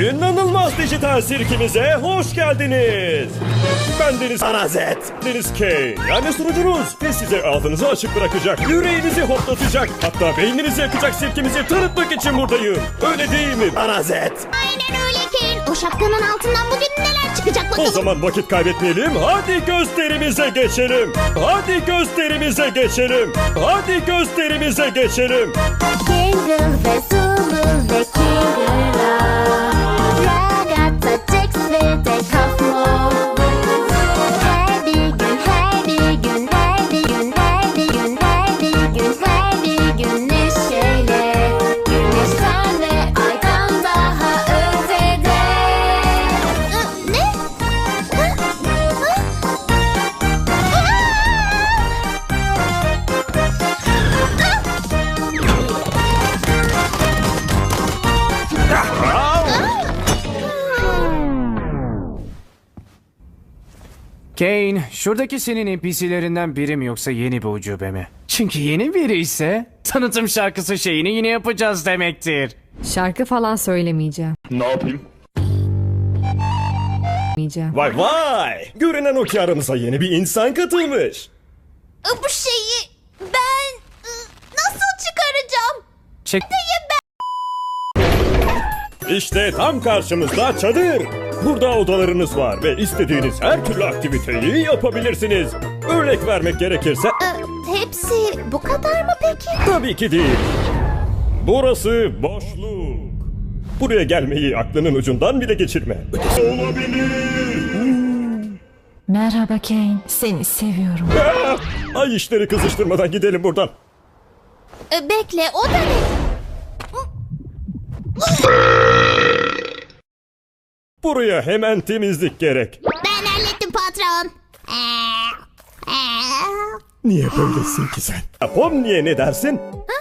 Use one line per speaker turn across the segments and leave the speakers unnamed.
İnanılmaz dijital sirkimize hoş geldiniz. Ben Deniz Anazet. Deniz K. Yani sunucunuz. Ve size ağzınızı açık bırakacak, yüreğinizi hoplatacak, hatta beyninizi yakacak sirkimizi tanıtmak için buradayım. Öyle değil mi Anazet?
Aynen öyle Kane. O şapkanın altından bugün neler çıkacak
O
bakalım.
zaman vakit kaybetmeyelim. Hadi gösterimize geçelim. Hadi gösterimize geçelim. Hadi gösterimize geçelim.
Jingle ve Zulu ve Kingula, Ragazza, Jax ve de Kafmo. Her bir gün, her bir gün, her bir gün, her bir gün, her bir gün, her bir gün neşeyle. Güneşten ve aydan daha ötede. Ne?
Kane, şuradaki senin NPC'lerinden biri mi yoksa yeni bir ucube mi? Çünkü yeni biri ise tanıtım şarkısı şeyini yine yapacağız demektir.
Şarkı falan söylemeyeceğim.
Ne yapayım?
Demeyeceğim.
Vay! Görünen o ki aramıza yeni bir insan katılmış.
Bu şeyi ben nasıl çıkaracağım?
Çek.
İşte tam karşımızda çadır. Burada odalarınız var ve istediğiniz her türlü aktiviteyi yapabilirsiniz. Örnek vermek gerekirse
Hepsi bu kadar mı peki?
tabii ki değil. Burası boşluk. Buraya gelmeyi aklının ucundan bile geçirme. Ötesi olabilir.
Merhaba Kane, seni seviyorum.
Ay işleri kızıştırmadan gidelim buradan.
Bekle, o da ne?
Buraya hemen temizlik gerek.
Ben hallettim patron.
Niye böylesin ki sen? Pomni'ye ne dersin?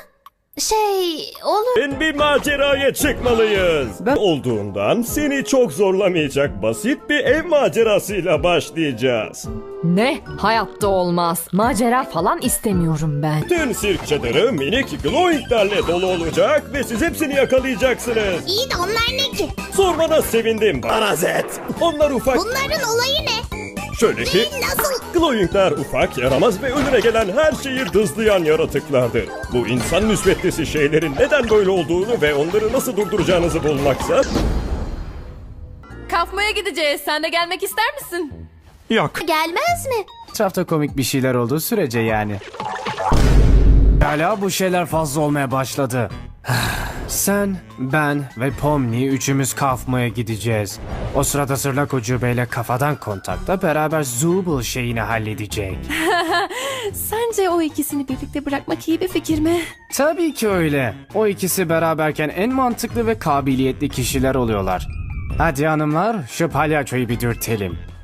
Olur.
Ben bir maceraya çıkmalıyız. Ben olduğundan seni çok zorlamayacak basit bir ev macerasıyla başlayacağız.
Ne? Hayatta olmaz. Macera falan istemiyorum ben.
Tüm sirk çadırı minik glowinglerle dolu olacak ve siz hepsini yakalayacaksınız.
İyi de onlar ne ki?
Sormana sevindim Anazet. Onlar ufak.
Bunların olayı ne?
Şöyle ki
Nasıl?
glowingler ufak, yaramaz ve önüne gelen her şeyi dızlayan yaratıklardır. Bu insan müsbetlisi şeylerin neden böyle olduğunu ve onları nasıl durduracağınızı bulmaksa...
Kafmaya gideceğiz. Sen de gelmek ister misin?
Yok.
Gelmez mi?
Etrafta komik bir şeyler olduğu sürece yani. Hala bu şeyler fazla olmaya başladı. Sen, ben ve Pomni üçümüz kafmaya gideceğiz. O sırada Sırlak Ucube'yle kafadan kontakta beraber Zubul şeyini halledecek.
Sence o ikisini birlikte bırakmak iyi bir fikir mi?
Tabii ki öyle. O ikisi beraberken en mantıklı ve kabiliyetli kişiler oluyorlar. Hadi hanımlar, şu palyaçoyu bir dürtelim.